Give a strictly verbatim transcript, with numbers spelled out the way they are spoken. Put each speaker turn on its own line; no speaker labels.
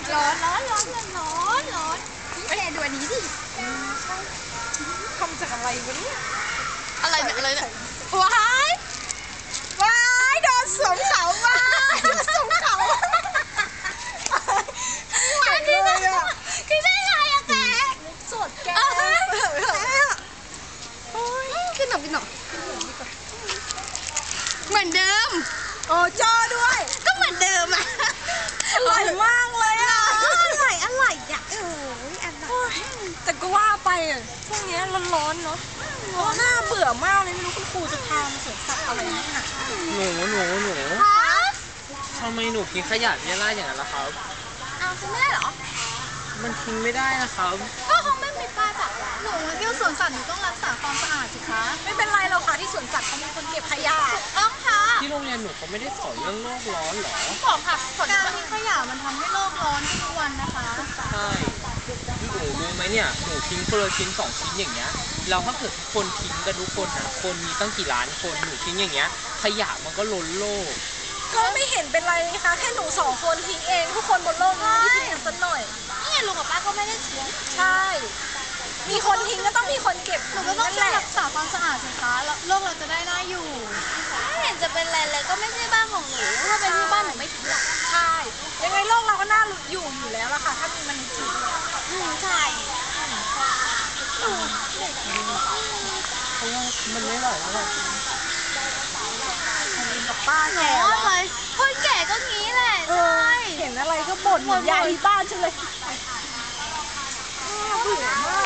ร้อนร้อนร้อนร้อนร้อนพี่แกดูอันนี้ดิ
ทำจากอะไรวะเนี่ย
อะไรเนี่ยอะไรเนี่ยว้ายว้ายโดนสวมเขาว้ายโดนสวมเขาไหวเลยอ่ะคือได้ไงอะแกสดแกขึ้นหน่อยขึ้นหน่อยเหมือนเดิม
โอ้จ้อด้วย
ก็เหมือนเดิมอะ
อร่อยมากเลยอ่ะ
อร่อยอร่อยอ่ะโอ้ยอร่อย
แต่ก็ว่าไปอ่ะพวกนี้ร้อนๆเนาะน่าเบื่อมากเลยไม่รู้คุณครูจะพามาสวนสัตว์อะไรนักหนา
หนูหนูหนูทำไมหนูทิ้งขยะเรี่ยราดอย่างนั้นล่ะครับ
เอาทิ้งไม่ได้เหรอ
มันทิ้งไม่ได้นะครับ
ก็คงไม่มีป้ายบอกหนูมาเที่ยวสวนสัตว์หนูต้องรักษาความสะอาดสิคะ
ไม่เป็นไรเราค่ะที่สวนสัตว์เขามีคนเก็บขยะ
ต้องค่ะ
ที่โรงเรียนหนูเขาไม่ได้สอนเรื่องโลกร้อนหรอ
บอกค่ะการทิ้งขยะมันทำให้โลกร้อนทุกวันนะคะ
ใช่หนูรู้ไหมเนี่ยหนูทิ้งคนละชิ้นสองชิ้นอย่างเงี้ยเราถ้าเกิดทุกคนทิ้งกันทุกคนนะคนมีตั้งกี่ล้านคนหนูทิ้งอย่างเงี้ยขยะมันก็ล้นโลก
ก็ไม่เห็นเป็นไรนี่คะแค่หนูสองคนทิ้งเองทุกคนบนโลกนี้ไม่ได้ทิ้งกันสักหน่อย
นี่ไงลุงกับป้าก็ไม่ได้ทิ้ง
ใช่มีคนทิ้งก็ต้องมีคนเก็บ
หนูก็ต้องช่วยรักษาความสะอาดสิคะแล้วโลกเราจะได้น่าอยู่ไม่เห็นจะเป็นไรเลยก็ไม่ใช่บ้านของหนูถ้าเป็นที่บ้านหนูไม่ทิ้งหรอก
ใช่ยังไงโลกเราก็น่าอยู่อยู่แล้วล่ะค่ะถ้ามีมันจริง
อืมใช่
เพราะว่ามันไม่ไหวแล้วแบบ
กับป้าแก่
เลยคนแก่ก็งี้แหละใช่
เห็นอะไรก็บ่นเหมือนยายที่บ้านฉันเลยเบื่อมาก